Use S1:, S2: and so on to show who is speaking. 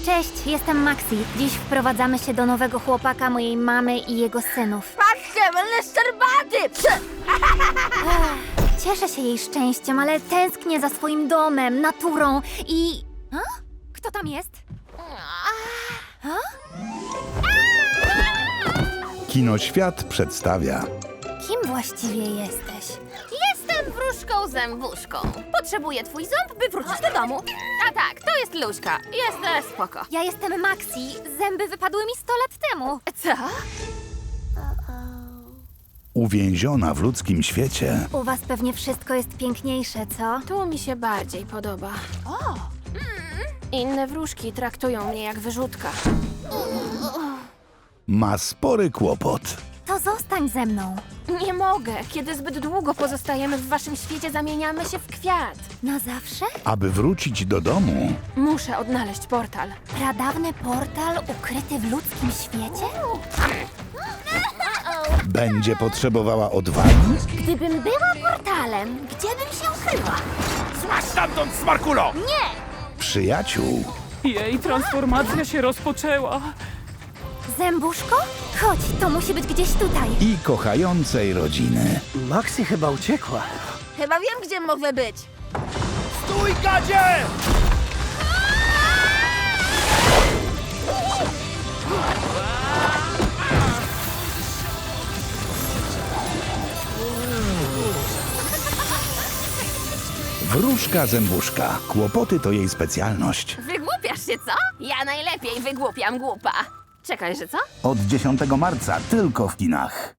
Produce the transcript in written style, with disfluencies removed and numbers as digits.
S1: Cześć, jestem Maxi. Dziś wprowadzamy się do nowego chłopaka mojej mamy i jego synów.
S2: Patrzcie, będę szczerbaty!
S1: Cieszę się jej szczęściem, ale tęsknię za swoim domem, naturą i... A? Kto tam jest?
S3: Kinoświat przedstawia
S1: Kim właściwie jesteś?
S2: Jestem wróżką zębuszką. Potrzebuję twój ząb, by wrócić do domu. A tak, to jest Luźka. Jest spoko.
S1: Ja jestem Maxi. Zęby wypadły mi 100 lat temu.
S2: Co?
S3: uwięziona w ludzkim świecie.
S1: U was pewnie wszystko jest piękniejsze, co?
S2: Tu mi się bardziej podoba. Inne wróżki traktują mnie jak wyrzutka.
S3: Ma spory kłopot.
S1: To zostań ze mną.
S2: Nie mogę. Kiedy zbyt długo pozostajemy w waszym świecie, zamieniamy się w kwiat.
S1: Na zawsze?
S3: Aby wrócić do domu,
S2: Muszę odnaleźć portal.
S1: Pradawny portal ukryty w ludzkim świecie?
S3: będzie potrzebowała odwagi,
S1: Gdybym była portalem, gdzie bym się ukryła?
S4: Złaź stamtąd, smarkulo!
S3: przyjaciół
S5: Jej transformacja się rozpoczęła.
S1: Zębuszko? Chodź, to musi być gdzieś tutaj.
S3: i kochającej rodziny.
S6: Maxi chyba uciekła.
S2: Chyba wiem, gdzie mogę być.
S4: Stój, gadzie!
S3: Wróżka zębuszka. Kłopoty to jej specjalność.
S2: Wygłupiasz się, co? Ja najlepiej wygłupiam głupa. Czekaj, że co?
S3: Od 10 marca tylko w kinach.